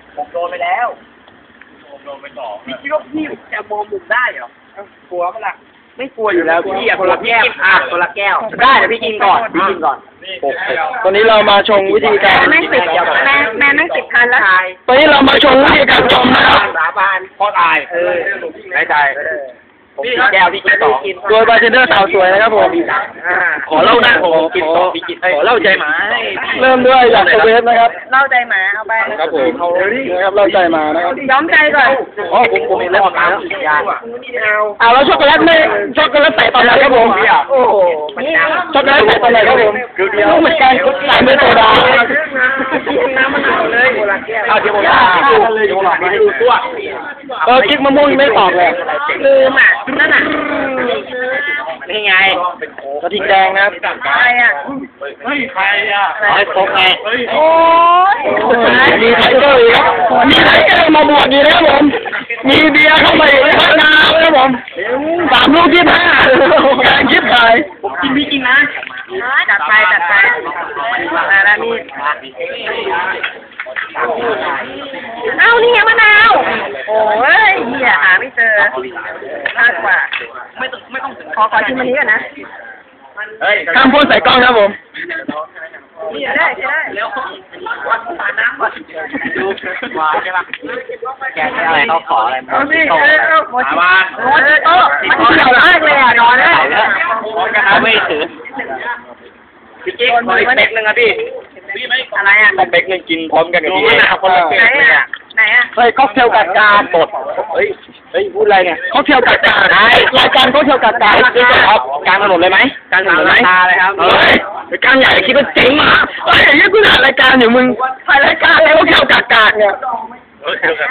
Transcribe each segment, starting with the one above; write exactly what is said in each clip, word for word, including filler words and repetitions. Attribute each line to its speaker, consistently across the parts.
Speaker 1: ผมโดนไปแล้วผมโดนไปสองพี่คิดว่าพี่จะมองมุมได้เหรอกลัวปะล่ะไม่กลัวอยู่แล้วพี่อะคนละแก้วอ่ะคนละแก้วได้เดี๋ยวพี่กินก่อนพี่กินก่อน
Speaker 2: ตอนนี้เรามาชงวิธีการ
Speaker 3: แม่สิบแม่แม่แม่สิบพันแล้ว
Speaker 2: ตอนนี้เรามาชงวิธีการชมนะครับ
Speaker 1: สาบานพ่อตายเออไม่ตายพี่แก้วพี่กินสอง
Speaker 2: โดยบาร์เทนเดอร์สาวสวยนะครับผม
Speaker 1: ขอเล่านะผมกินสองพี่กินขอเล่าใจหมา
Speaker 2: เริ่มด้วยจากเวฟนะครับ
Speaker 3: เล่าใจหมาเอาไป
Speaker 2: ครับผมนะครับเราใจมานะครับ
Speaker 3: ย้อมใจก่อน
Speaker 1: อ๋อผมผมเริ่มมาแล้วยา
Speaker 2: อ่าแล้วช็อกโกแลตไม่ช็อกโกแลตใส่ตอนไหนครับผม
Speaker 1: โอ้โห
Speaker 2: ช็อกโกแลตใส่ตอนไหนครับผมรู้เหมือนกันใส่ไม่โซดา
Speaker 1: น้ำมะนาวเลยเอาเดี๋ยวผมดูเดี๋ยวผมให้ดูตัว
Speaker 2: เออกิ๊กมะม่วงไม่ตอบเลย
Speaker 3: ลืมอ่ะนั่นอ่ะ
Speaker 1: นี่ไง
Speaker 2: กระทิงแดงนะครับ
Speaker 3: อะไรอ่ะ
Speaker 1: เฮ้ยใครอ่ะไอ้โป๊กไง
Speaker 3: โอ้ย
Speaker 2: มีไทเกอร์อีกครับมีไทเกอร์มาบวกอีกนะครับผมมีเบียร์เข้ามาอีกนะครับน้ำนะครับผมสามลูกที่ห้าแกงยิบขาย
Speaker 1: ผมกินพี่กินนะ
Speaker 3: จัดไปจัดไปมาแล้วนี่เอ้านี่ไงมะนาวโอ้ยเหี้ยหาไม่เจอมากกว่า
Speaker 1: ไม่ต้องไม่ต้อง
Speaker 3: ขอขอชิมอันนี้ก่อนนะ
Speaker 1: เฮ้ย
Speaker 2: ข้ามพูดใส่กล้องครับผม
Speaker 3: นี่ได้ใช่ได้
Speaker 1: เร็ววันผ่านน้ำก่อนดูวาใช่ปะแกอะไรเขาขออะไรมา
Speaker 3: เอาสิเออเอาโมจิ
Speaker 1: วา
Speaker 3: โมจิโต้มันเกี่ยวมากเลยอ่ะนอนได้
Speaker 1: เขาไม่ถือพี่กิ๊กขออีกเป๊กนึงอ่ะพี่พี่ไม่
Speaker 3: อะไรอ่ะ
Speaker 2: ต้องเป๊กนึงกินพร้อมกันกับพี่
Speaker 1: คนละเป๊ก
Speaker 3: ไหน
Speaker 1: เลย
Speaker 3: อ่ะ
Speaker 1: อ่ะ
Speaker 3: ไหนอ่ะ
Speaker 2: เฮ้ยค็อกเทลกัดกาสดเฮ้ยเฮ้ยพูดอะไรเนี่ยค็อกเทลกัดกาไอ้รายการค็อกเทลกัดกาคือครับกลางถนนเลยไหมกลางถนนไหม
Speaker 1: ตาเลยครับ
Speaker 2: เฮ้ยรายการใหญ่คิดว่าเจ๋งมากเฮ้ยยังกูถ่ายรายการอยู่มึงถ่ายรายการแล้วค็อกเทลกัดกาเนี่ย
Speaker 1: เฮ้ยเดี๋ยวกัน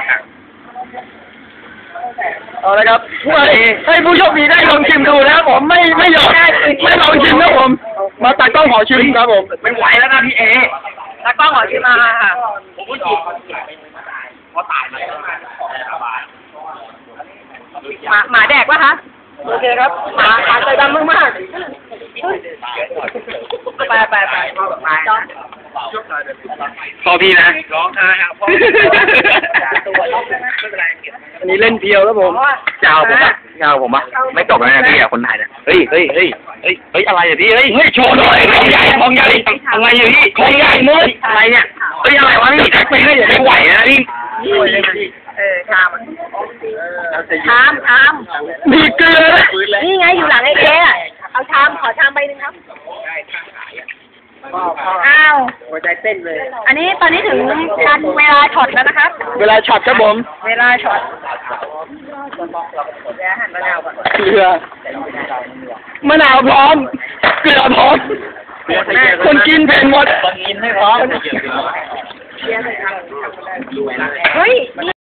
Speaker 2: เอาละครับผู้ให้ผู้โชคดีได้ลองชิมดูนะครับผมไม่ไม่ยอมไม่ลองชิมนะผม มาตัดกล้องขอชิมครับผม
Speaker 1: ไม่ไหวแล้วนะพี่เอ
Speaker 3: ตากล้องขอชิมมาค่ะ
Speaker 1: ผมก็จีบพอตายมาแล้วสบาย
Speaker 3: หมาหมาแดกปะคะโอเคครับหมาหมาใจดำมากๆไปไปไปไปจอม
Speaker 2: พอพี่นะ
Speaker 1: ร้องไห้ครับพ่อ
Speaker 2: อันนี้เล่นเพียวแล้วผม
Speaker 1: เจ้าผมอะเจ้าผมอะไม่จบแล้วนะพี่อะคนไทยเนี่ยเฮ้ยเฮ้ยเฮ้ยเฮ้ยเฮ้ยอะไรอะพี่เฮ้ย
Speaker 2: เฮ้ยโชว์หน่อยของใหญ่ของใหญ่
Speaker 1: อะไรอะพี่
Speaker 2: ของใหญ่มึง
Speaker 1: อะไรเนี่ยเฮ้ยอะไรวะพี่แท็กไปให้ไม่ไหวนะพี่
Speaker 3: เออชามชามชาม
Speaker 2: มีเกลือ
Speaker 3: นี่ไงอยู่หลังไอ้เจ๊อะเอาชามขอชามใบหนึ่งครับอ้าว
Speaker 1: หัวใจเต้นเลย
Speaker 3: อันนี้ตอนนี้ถึงการเวลาช็อตแล้วนะครับ
Speaker 2: เวลาช็อตครับผม
Speaker 3: เวลาช็อตเดี๋ยวหั่นมะนาวก่อน
Speaker 2: เกลือมะนาวพร้อม เกลือพร้อม คนกินเผ็ดหมด
Speaker 1: คนกินให้พร้อม
Speaker 3: เฮ้ย